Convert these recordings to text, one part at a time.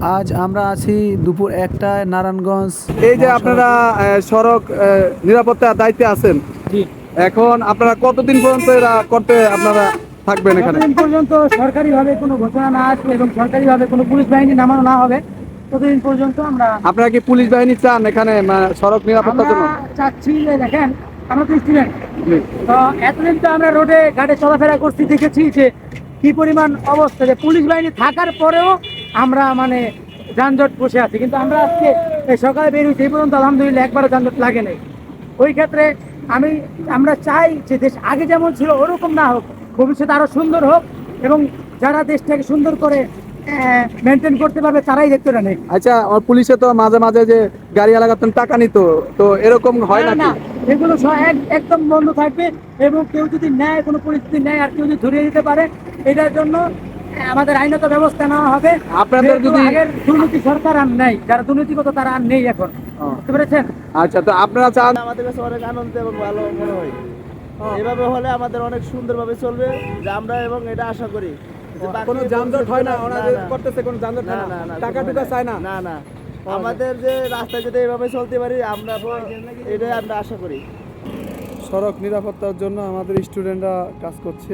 আজ আমরা আছি দুপুর 1টায় নারায়ণগঞ্জ। এই যে আপনারা সড়ক নিরাপত্তার দায়িত্বে আছেন, জি। এখন আপনারা কতদিন পর্যন্ত এরা করতে আপনারা থাকবেন এখানে? যতদিন পর্যন্ত সরকারিভাবে কোনো ঘোষণা না আসবে এবং সরকারিভাবে কোনো পুলিশ বাহিনী নামানো না হবে ততদিন পর্যন্ত আমরা আপনারা কি পুলিশ বাহিনী চান এখানে সড়ক নিরাপত্তার জন্য? চাচ্ছি যে দেখেন, আমরা তো স্টুডেন্ট, জি। তো এতদিন তো আমরা রোডে ঘাটে চলাফেরা করছি, দেখেছি যে কি পরিমাণ অবস্থা, যে পুলিশ বাহিনী থাকার পরেও আমরা মানে যানজট বসে আছি। কিন্তু আমরা আজকে এই সকালে বেরিয়েছি, এই পর্যন্ত আলহামদুলিল্লাহ একবারও যানজট লাগে নাই। ওই ক্ষেত্রে আমরা চাই যে দেশ আগে যেমন ছিল ওরকম না হোক, ভবিষ্যতে আরো সুন্দর হোক এবং যারা দেশটাকে সুন্দর করে মেনটেন করতে পারবে তারাই দেখতে নেই। আচ্ছা, পুলিশে তো মাঝে মাঝে যে গাড়ি লাগাতেন টাকা নিত, তো এরকম হয় না, নাকি? না, এগুলো একদম বন্ধ থাকবে এবং কেউ যদি নেয়, কোনো পরিস্থিতি নেয় আর কেউ যদি ধরিয়ে দিতে পারে, এটার জন্য আমাদের আইনত ব্যবস্থা নেওয়া হবে। আপনাদের যদি আগের দুর্নীতি সরকার আর নেই, যারা দুর্নীতিগত তারা আর নেই এখন, বুঝতে পেরেছেন? আচ্ছা, তো আপনারা চান? আমাদের কাছে অনেক আনন্দ এবং ভালো মনে হয়। এভাবে হলে আমাদের অনেক সুন্দরভাবে চলবে, যে আমরা এবং এটা আশা করি যে কোনো যানজট হয় না, ওনাদের করতেছে কোনো যানজট হয় না, না, না, টাকা কোনো টুকা হয় চায় না? না, না, আমাদের যে রাস্তায় যদি এভাবে চলতে পারি আমরা, এটাই আমরা আশা করি। সড়ক নিরাপত্তার জন্য আমাদের স্টুডেন্টরা কাজ করছে।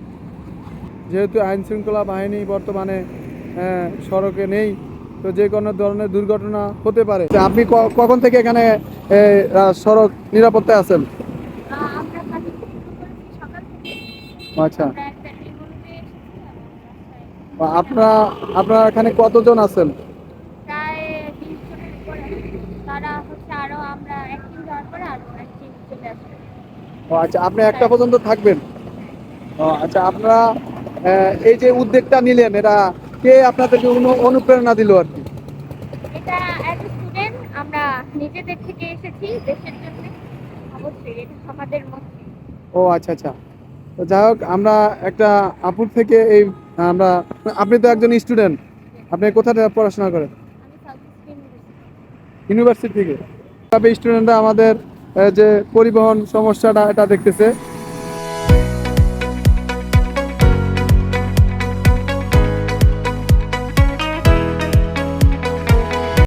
যেহেতু আইন শৃঙ্খলা বাহিনী বর্তমানে সড়কে নেই, তো যে কোনো ধরনের দুর্ঘটনা হতে পারে। আপনি কখন থেকে এখানে সড়ক নিরাপত্তায় আছেন? আমরা কাজ শুরু করেছি সকাল থেকে। আচ্ছা, আমরা একটা টিম অনুযায়ী এসেছি আমার রাস্তায়। আপনারা এখানে কতজন আছেন? প্রায় 20 জনের উপরে। তারা হচ্ছে আরো, আমরা এক টিম যাওয়ার পরে আরো এক টিম চলে আসবে। আচ্ছা, আপনি একটা পর্যন্ত থাকবেন? আচ্ছা, আপনারা এই যে উদ্যোগটা নিলেন, এটা কে আপনাদেরকে অনুপ্রেরণা দিল আর কি? এটা অ্যাজ এ স্টুডেন্ট আমরা নিজেদের থেকে এসেছি দেশের জন্য। অবশ্যই এটা আমাদের মধ্যে। আচ্ছা, আচ্ছা। তো যাই হোক, আমরা একটা আপুর থেকে আমরা আপনি তো একজন স্টুডেন্ট, আপনি কোথা থেকে পড়াশোনা করেন? আমি সাউথ ইস্ট ইউনিভার্সিটি। ইউনিভার্সিটি থেকে। তবে স্টুডেন্টরা আমাদের যে পরিবহন সমস্যাটা এটা দেখতেছে,